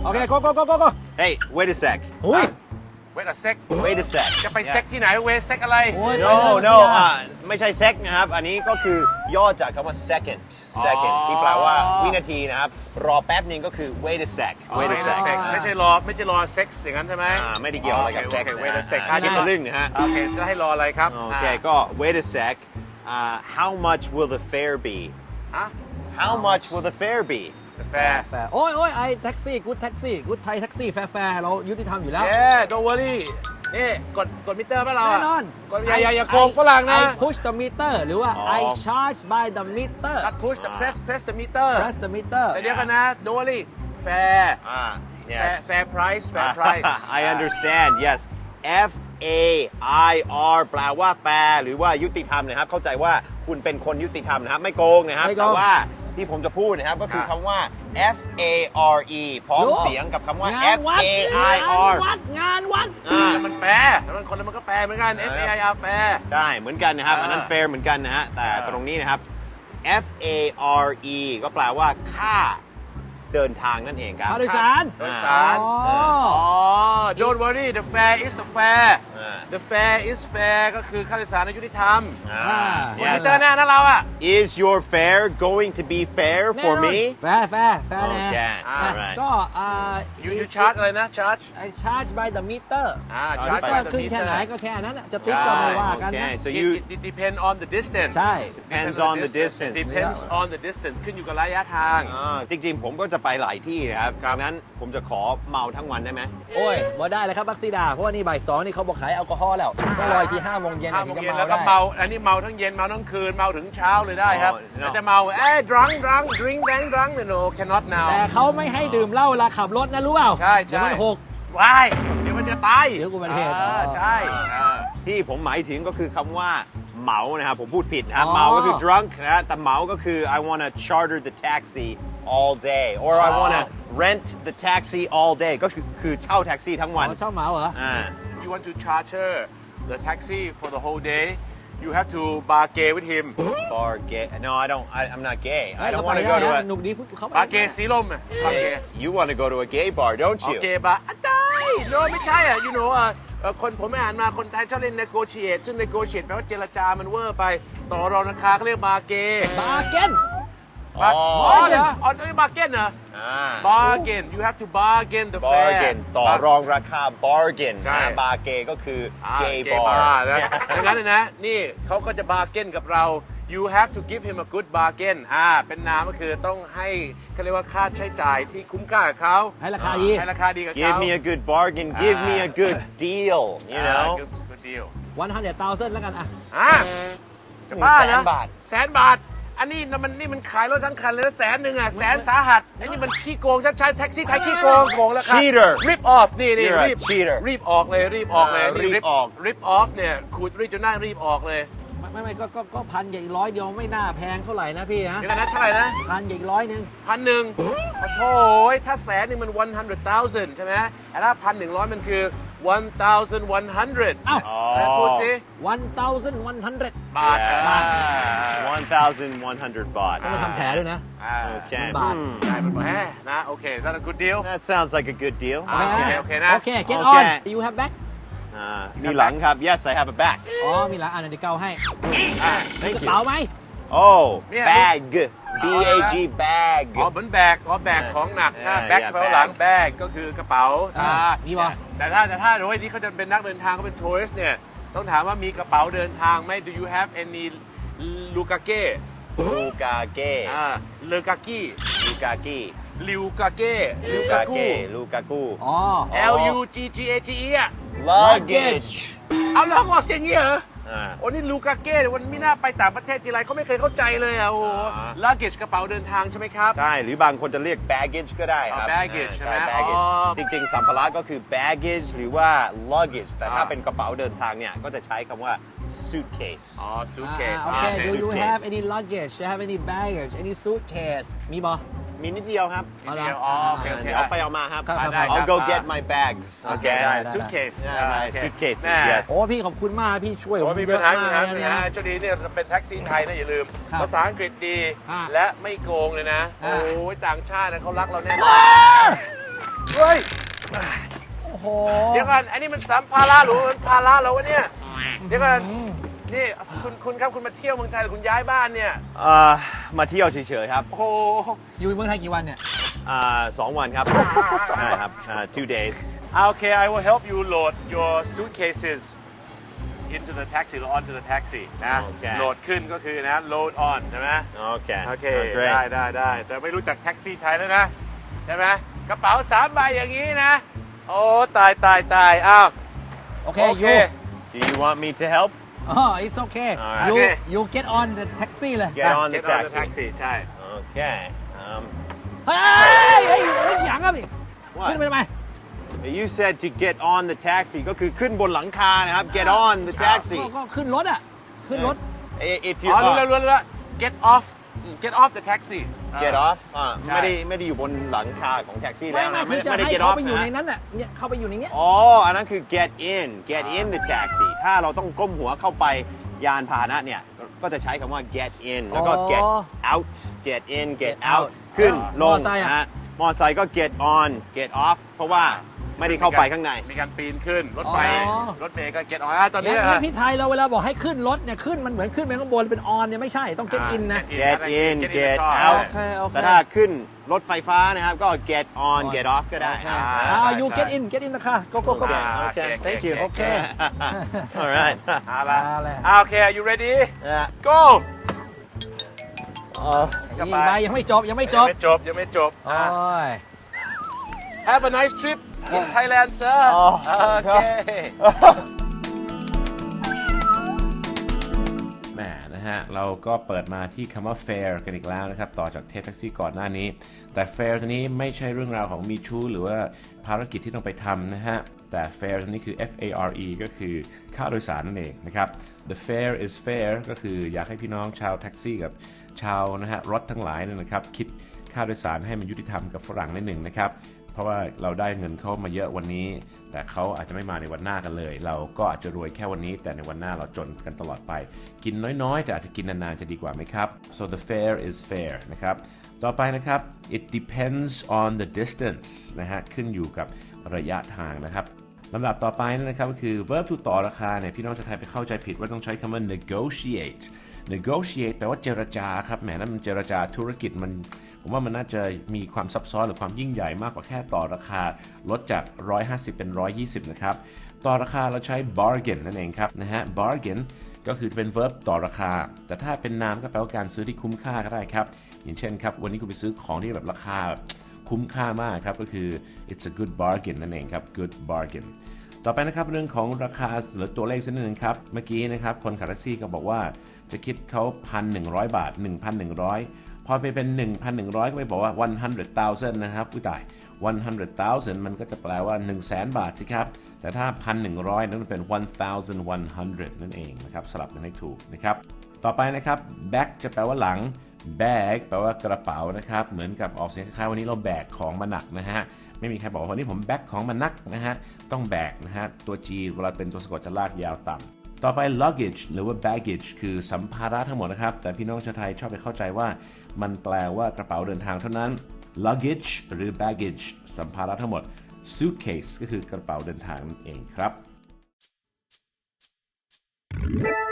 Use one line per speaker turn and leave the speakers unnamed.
โอเค go
Hey wait a sec
อุ้ย
Wait a sec
wait a sec
จะไปเซ็กที่ไหนเวเซ็กอะไร
โอ้ย
no no ไม่ใช่ sec นะครับอันนี้ก็คือย่อจากคำว่า second ที่แปลว่าวินาทีนะครับรอแป๊บนึงก็คือ wait a sec wait a sec
ไม่ใช่รอเซ็กซ์อย่างนั้นใช่ไหม
ไม่ได้เกี่ยวอะไรกับ sex
โอเค wait a sec
นี่เป็นเรื่องนะฮะ
โอเคจะให้รออะไรครับ
โอเคก็ wait a sec how much will the fare be
อ่ะ
how much will the fare be
แฟร์
แฟร์โอ้ยไอแท็กซี่กู๊ดแท็กซี่กู๊ดไทยแท็กซี่แฟร์เรายุติธรรมอยู่แล้ว
don't worry นี่กดมิเตอร์ป่ะเรา
แน่นอน
กดอย่าโกงฝรั่งนะ
I push the meter หรือว่า I charge by the meter
not push the press the meter
press the meter
แต่เดี๋ยวกันนะ don't worry fair
yes
fair price
I understand yes F A I R แปลว่าแฟร์หรือว่ายุติธรรมนะครับเข้าใจว่าคุณเป็นคนยุติธรรมนะครับไม่โกงนะครับแต่ว่าที่ผมจะพูดนะครับก็คือคำว่า F A R E พร้อมเสียงกับคำว่า F A I R
งานวัด
มันแฟร์แล้วมันคนนั้นมันก็แฟร์เหมือนกัน F A I R fair
ใช่เหมือนกันนะครับอันนั้น fair เหมือนกันนะฮะแต่ตรงนี้นะครับ F A R E ก็แปลว่าค่าเดินทางนั่นเองครับ
ค่าโดยสาร
โดยสาร
อ๋อ
don't worry the fare is the fair the fare is fair ก็คือค่าโดยสารในยุติธรรมคุณมิเตอร์แน่นะเราอ่ะ
Is your fare going to be fair for me
แฟร์แน่
alright
ก็
you charge อะไรนะ charge
I charge by the meter
charge by the
ขึ้นแค่
meter
ไหนก็แค่นั้นจะติ๊กก็ไม่ว่ากันนะ
Okay so you
it depend on the distance
ใช่
depends on the distance
depends on the distance ขึ้นอยู่กับระยะทาง
จริงๆ ผมก็จะไปหลายที่นะครับดังนั้นผมจะขอเมาทั้งวันได้ไหม
โอ้ยบ่ได้เลยครับบักซีดาเพราะว่านี่บ่าย 2นี่เขาบอกขายแอลกอฮอล์แล้วต้องรออีกที5 โมงเย็น
5
ถึ
โม
ง
ง
จะ
เย็น
เมา
แล้วก็
ได้
เมาอันนี้เมาทั้งเย็นเมาทั้งคืนเมาถึงเช้าเลยได้ครับแล้วจะเมาdrunk no cannot now
แต่เขาไม่ให้ดื่มเหล้าเวลาขับรถนะรู้เปล่า
ใช่
เดี๋ยวมันหก
ว้ายเดี๋ยวมันจะตาย
เดี๋ยวอุบัติเหตุ
ใช่
ที่ผมหมายถึงก็คือคำว่าเหมานะครับผมพูดผิดนะครับ
อ๋อ
เมาก็คือ drunk นะแต่เหมาก็คือ I wanna charter the taxi all day or I wanna rent the taxi all day ก็คือเช่าแท็กซี่ทั้งวัน
เขาชอบเมาเหรอ
you want to charter the taxi for the whole day you have to bargain with him
bar gay no I'm not gay I
เรา
don't
ไป
want to
ได้
go to
นะ
a
หนุกดีเขาไป
bargain สีลมbargain
you want to go to a gay bar don't you
เกบะได้ no ไม่ใช่อ่ะ you know คนผมไม่อ่านมาคนไทยชอบเล่น negotiate ซึ่ง negotiate แปลว่าเจรจามันเวอร์ไปต่อรองราคาเขาเรียก bargain
บาร์เก้น
อ๋อเหรออ๋อนี่ bargain เหรอ bargain you have to bargain the fare
bargain ต่อรองราคา bargain
ใช่
บาร์เกก็คือ gay
เก
bar
บาร์นะดังนั้นนะนี่เขาก็จะ bargain กับเรา you have to give him a good bargain เป็นนามก็คือต้องให้เขาเรียกว่าค่าใช้จ่ายที่คุ้มค่ากับเขา
ให้ราคาดี
ให้ราคาดีกับเขา
give me a good bargain give me a good deal you know
good deal
100,000แล้วกันอ่ะ
จะบ้าเหรอ
100,000 บาท
100,000 บาท อันนี้มันขายรถทั้งคันเลยนะ100,000อ่ะแสนสาหัสไอ้นี่มันขี้โกงชัดๆแท็กซี่ไทยขี้โกงแล้วครับ
Cheater
rip off นี่
You're a
รีบ
cheater
รีบออกเลยนี่
rip off
rip off เนี่ยขูดรีบจนหน้ารีบออกเลย
ไม่ก็พันกับอีก100 เดียวไม่น่าแพงเท่าไหร่นะพี่ฮะ
เดี๋ยวกันนะเท่าไหร่นะ
พันกับอีก100 นึง
1,000ขอโทษถ้าแสนนี่มัน 100,000 ใช่ไหมแต่ถ้า1,100 มันคือ 1,100
เอ้า
แล้วพูดสิ
1,100
บาท
1,100 baht
ต้องมาทำแผลด้วยนะ
Okay
บาท
ใช่มันบอกนะโอเค is that a good deal
that sounds like a good deal
โอเคนะ
โอเค get
Okay
on you have back
มีหลังครับ yes I have a back
อ๋อมีหลังเดี๋ยวเกาให้ มีกระ
thank you
เป๋าไหม
oh
เนี่ย
bag B A G bag
เหมือนแบกแบกของหนักถ้า
yeah,
แบ็ค
yeah,
แปลว่าหลังแบกก็คือกระเป๋า
มีบ่
แต่ถ้าโดยที่เขาจะเป็นนักเดินทางเขาเป็นทัวริสต์เนี่ยต้องถามว่ามีกระเป๋าเดินทางไหม Do you have any ลูกาเก้
ลูกาเก้
เลกากี้
ลูกากิ
ลิวกาเก้
ลูกาเก้ลูกากู
อ๋อ
L U G G A G E อ่ะ
luggage
เอาแล้วเขาบอกเสียงอย่างนี้เหรอ
อ่า
โอ้นี่ลูกาเก้วันไม่น่าไปต่างประเทศทีไรเขาไม่เคยเข้าใจเลยอ่ะโอ้โหลักเกจกระเป๋าเดินทางใช่ไหมครับ
ใช่ หรือบางคนจะเรียก baggage ก็ได้ครับ
baggage ใช่ไหม
baggage
อ๋อ
จริงๆ สัมภาระก็คือ baggage หรือว่า luggage แต่ถ้าเป็นกระเป๋าเดินทางเนี่ย ก็จะใช้คำว่า suitcase
อ๋อ suitcase
โอเค do you
suitcase
have any luggage do you have any baggage any suitcase มีบ่
มีนิดเดียวครับ
นิดเดียวอ๋อโอเคโอเค
เดี๋ยวไปเอามาครับ
ครับ
ได้ครับ
I'll go get my bags
โอเค
okay
ได้
ได้
suitcase
Yeah, my
โอเค
suitcases
แม่
yes
โอ้พี่ขอบคุณมากพี่ช่วยผ
โอ้
ม
มี
เย
ปัญ
อะ
หาม
าก
มีปัญหา
เลย
มีปัญ
นะ
หาช่วงนี้เนี่ยเป็นแท็กซี่ไทยนะอย่าลืม
ครับ
ภาษาอังกฤษดี
อ่า
และไม่โกงเลยนะ
อ่า
โอ้ยต่างชาตินะเขารักเราแน่นอนเฮ้ย
โอ้โห
เดี๋ยวก่อนอันนี้มันสัมภาระหรือมันภาระเราวะเนี่ย เดี๋ยวก่อนนี่คุณครับคุณมาเที่ยวเมืองไทยหรือคุณย้ายบ้านเนี่ย
มาเที่ยวเฉยๆครับ
โอ้โห
อยู่เมืองไทยกี่วันเนี่ย
2 วันครับ ใช่ครับ 2 days
โอเค I will help you load your suitcases into the taxi or onto the taxi นะ
โอเค
โหลดขึ้นก็คือนะ load on ใช่ไหม
โอเค
โอเค
great
ได้แต่ไม่รู้จักแท็กซี่ไทยแล้วนะ ใช่ไหมกระเป๋า3 ใบอย่างนี้นะ โอ้ตายอ้าว
โอเค
โอเค
Do you want me to help
it's okay
Alright.
you
Okay.
you get on the taxi เลย
Get on the
Get on the
taxi
taxi ใช่
Okay
เฮ้ยหยังอ่ะพี่
What?
ขึ้นไปทำไม
You said to get on the taxi ก็คือขึ้นบนหลังคานะครับ Get on the taxi
ก็ขึ้นรถอ่ะ ขึ้นรถ
If you
อ๋อรู้แล้ว get off the taxi
get off
ใช่
ไม่ได้อยู่บนหลังคาของแท็กซี่
ไม่
แล้วนะ
คือจะ
ไม่ได้
ให้
get
เขา
off
ไปอยู่ใน
นะ
นั้นอ่ะเนี่ยเข้าไปอยู่ในเนี้ย
อ๋อ อันนั้นคือ get in the taxi ถ้าเราต้องก้มหัวเข้าไปยานพาหนะเนี่ย ก็จะใช้คำว่า get in แล้วก็ get out get in get out ขึ้นลงนะฮะมอไซค์ก็ get on get off เพราะว่าไม่ได้เข้าไปข้างใน
มีการปีนขึ้นรถไฟ
อ๋อ
รถเมย์ก็ get on ตอนนี้
แล้วพี่ไทยเราเวลาบอกให้ขึ้นรถเนี่ยขึ้นมันเหมือนขึ้นไปข้างบนเป็นออนเนี่ยไม่ใช่ต้อง get in นะ
get in get
โอ
out
เคโอเค
แต่ถ้าขึ้นรถไฟฟ้านะครับก็ get on get off ก็ได้นะ
you get in นะคะ go
โอเค thank you
โอเค
alright
เอาละ
เอาละ
โอเค are you ready
Yeah.
go
อีกใบยังไม่จบ
ยังไม่จบ
โอ้ย
Have a nice trip in Thailand sir โอเคแหมนะฮะเราก็เปิดมาที่คำว่า fare กันอีกแล้วนะครับต่อจากเทปแท็กซี่ก่อนหน้านี้แต่ fare ตัวนี้ไม่ใช่เรื่องราวของมีชู้หรือว่าภารกิจที่ต้องไปทำนะฮะแต่ fare ตัวนี้คือ F-A-R-E ก็คือค่าโดยสารนั่นเองนะครับ the fare is fair ก็คืออยากให้พี่น้องชาวแท็กซี่กับชาวนะฮะรถทั้งหลายเนี่ยนะครับคิดค่าโดยสารให้มันยุติธรรมกับฝรั่งนิดหนึ่งนะครับเพราะว่าเราได้เงินเข้ามาเยอะวันนี้แต่เขาอาจจะไม่มาในวันหน้ากันเลยเราก็อาจจะรวยแค่วันนี้แต่ในวันหน้าเราจนกันตลอดไปกินน้อยๆแต่อาจจะกินนานๆจะดีกว่าไหมครับ so the fare is fair นะครับต่อไปนะครับ it depends on the distance นะฮะขึ้นอยู่กับระยะทางนะครับลำดับต่อไปนะครับก็คือ verb to ต่อราคาเนี่ยพี่น้องชาวไทยไปเข้าใจผิดว่าต้องใช้คำว่า negotiate negotiate แปลว่าเจรจาครับแหมนั่นมันเจรจาธุรกิจมันผมว่ามันน่าจะมีความซับซ้อนหรือความยิ่งใหญ่มากกว่าแค่ต่อราคาลดจาก150เป็น120นะครับต่อราคาเราใช้ bargain นั่นเองครับนะฮะ bargain ก็คือเป็น verb ต่อราคาแต่ถ้าเป็นนามก็แปลว่าการซื้อที่คุ้มค่าก็ได้ครับอย่างเช่นครับวันนี้คุณไปซื้อของที่แบบราคาคุ้มค่ามากครับก็คือ it's a good bargain นั่นเองครับ good bargain ต่อไปนะครับเรื่องของราคาหรือตัวเลขสักนิดนึงครับเมื่อกี้นะครับคนขับแท็กซี่ก็บอกว่าจะคิดเขา 1,100 บาท 1,100 พอไปเป็น 1,100 ก็ไปบอกว่า 100,000 นะครับอุ้ยตาย 100,000 มันก็จะแปลว่า 100,000 บาทสิครับแต่ถ้า 1,100 นั้นมันเป็น 1,100 นั่นเองนะครับสลับกันให้ถูกนะครับต่อไปนะครับ back จะแปลว่าหลัง bag แปลว่ากระเป๋านะครับเหมือนกับออกเสียงคล้ายๆวันนี้เราแบกของมาหนักนะฮะไม่มีใครบอกว่าวันนี้ผมแบกของมาหนักนะฮะต้องแบกนะฮะตัว G เวลาเป็นตัวสะกดจะลากยาวต่ำต่อไป luggage หรือว่า baggage คือสัมภาระทั้งหมดนะครับแต่พี่น้องชาวไทยชอบไปเข้าใจว่ามันแปลว่ากระเป๋าเดินทางเท่านั้น luggage หรือ baggage สัมภาระทั้งหมด suitcase ก็คือกระเป๋าเดินทางนั่นเองครับ